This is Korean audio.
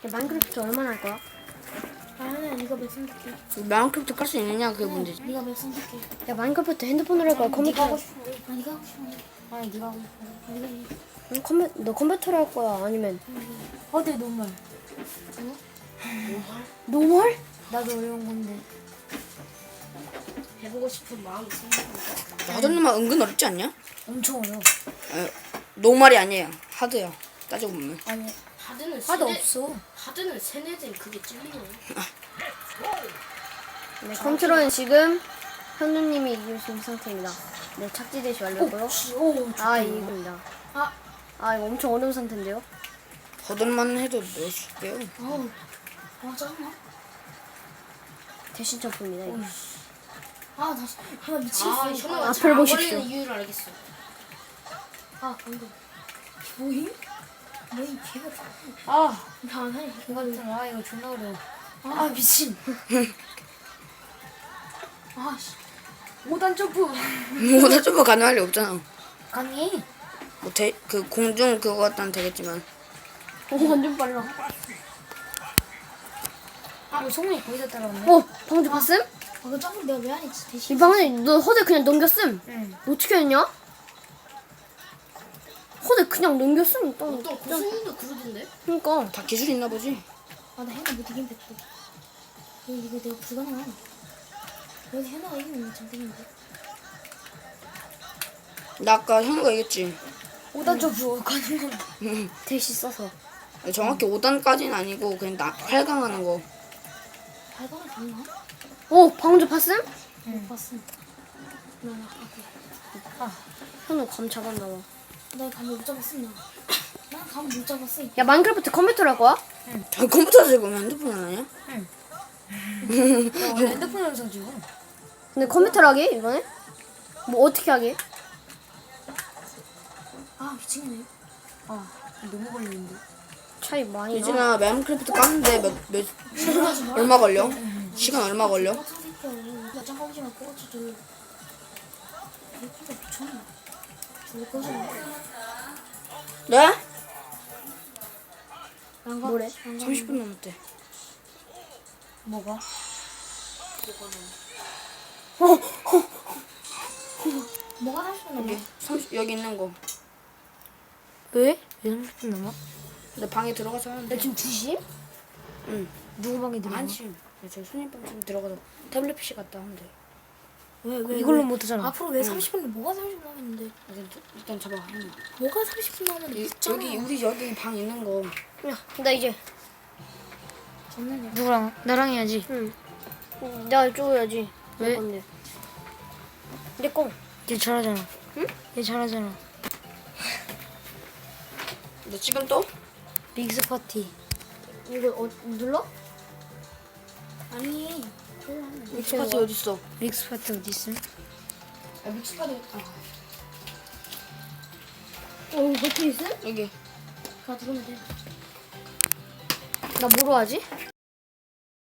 마인크래프트 얼마나 할 거야? 아니야, 네가 몇 선택해? 마인크래프트 깔 수 있느냐 그게 문제지. 네가 몇 선택해? 야 마인크래프트 핸드폰으로 할 거야? 네가 컴퓨터로? 하고 싶은 거. 아, 네가 하고 싶은 거. 아니, 네가 하고 싶은 거. 네가 해. 너 컴퓨터로 할 거야? 아니면 어때, 노말? 노멀? 나도 어려운 건데. 해보고 싶은 마음이 생기니까. 하드는 은근 어렵지 않냐? 엄청 어려워. 노말이 아니에요. 하드야. 따지고 보면. 아니, 하드는 하도 없어. 하드는 세뇌된 그게 찔리네. 네, 컨트롤은 지금 현우님이 이길 수 있는 상태입니다. 네, 착지 대시 완료고요. 오, 아, 이깁니다. 아, 이거 엄청 어려운 상태인데요? 버들만 해도 넣을 수 있대요. 아우. 아, 짜증나. 대신 점프입니다. 이거. 아, 다시. 아, 미치겠어. 현우가 앞을 잘안 보십시오. 걸리는 이유를 알겠어. 아, 방금. 뭐임? 뭐임, 개가. 아, 나안 해. 개 같은. 아, 이거 존나 어려워. 아, 미친. 아, 씨. 5단 점프. 뭐다 점프 가능할 리 없잖아. 가능해. 그 공중 그거 같다는 되겠지만. 오, 완전 빨라. 아, 성민이 거기서 따라왔네. 오, 방금 봤음? 아, 그 점프 내가 왜 안 했지? 대신. 이 방금 너 허대 그냥 넘겼음. 응. 어떻게 했냐? 허대 그냥 넘겼음. 또. 어떤 고수님도 그러던데? 그러니까. 다 기술 있나 보지. 아, 나 해나 못 이긴 뱉고. 이거 내가 불가능해. 여기 해나가 이기면 장땡인데. 나 아까 현우가 얘기했지. 5단 점프 가는 건. 대시 써서. 정확히 5단까지는 아니고 그냥 8강 하는 거. 발광을 봤나? 오, 방금 봤음? 응. 봤어. 현우 감 잡았나 봐. 나 감을 못 잡았어, 나. 난 감을 못 잡았어. 야, 마인크래프트 컴퓨터로 할 거야? 저 컴퓨터 들고 오면 핸드폰 안 하냐? 나 원래 핸드폰 영상 찍어. 근데 컴퓨터로 하게 이번에? 뭐 어떻게 하게? 아, 미치겠네. 아, 너무 걸리는데. 차이 많이 나. 유진아 마인크래프트 깠는데 얼마 걸려? 시간 얼마 걸려? 같은 새끼야. 나 잠깐 오지마, 꼬치 들. 이거 미쳤나? 죽을 거지. 네? 안 가? 뭐래? 안 가? 30분 남았대. 뭐가? 뭐가 30분 남아? 여기 있는 거. 왜? 왜 30분 남아? 내 방에 들어가서 하는데. 지금 2시? 응. 누구 방에 들어가? 한시. 저 손님방 좀 들어가서 태블릿 PC 갔다 하는데. 왜? 이걸로 못 하잖아. 앞으로 왜 30분 뭐가 30분 남았는데? 일단 잡아. 뭐가 30분 남았는데? 여기 우리 여기 방 있는 거. 야, 나 이제. 장난이야. 누구랑? 나랑 해야지. 응. 내가 쪼여야지. 왜? 건데. 내 거. 얘 잘하잖아. 응? 얘 잘하잖아. 너 지금 또? 믹스 파티. 이거 눌러? 아니. 믹스파티 어디 있어? 믹스 파티 어디 있음? 믹스파티. 버튼 있어? 여기. 가 들어오면 돼. 나 뭐로 하지?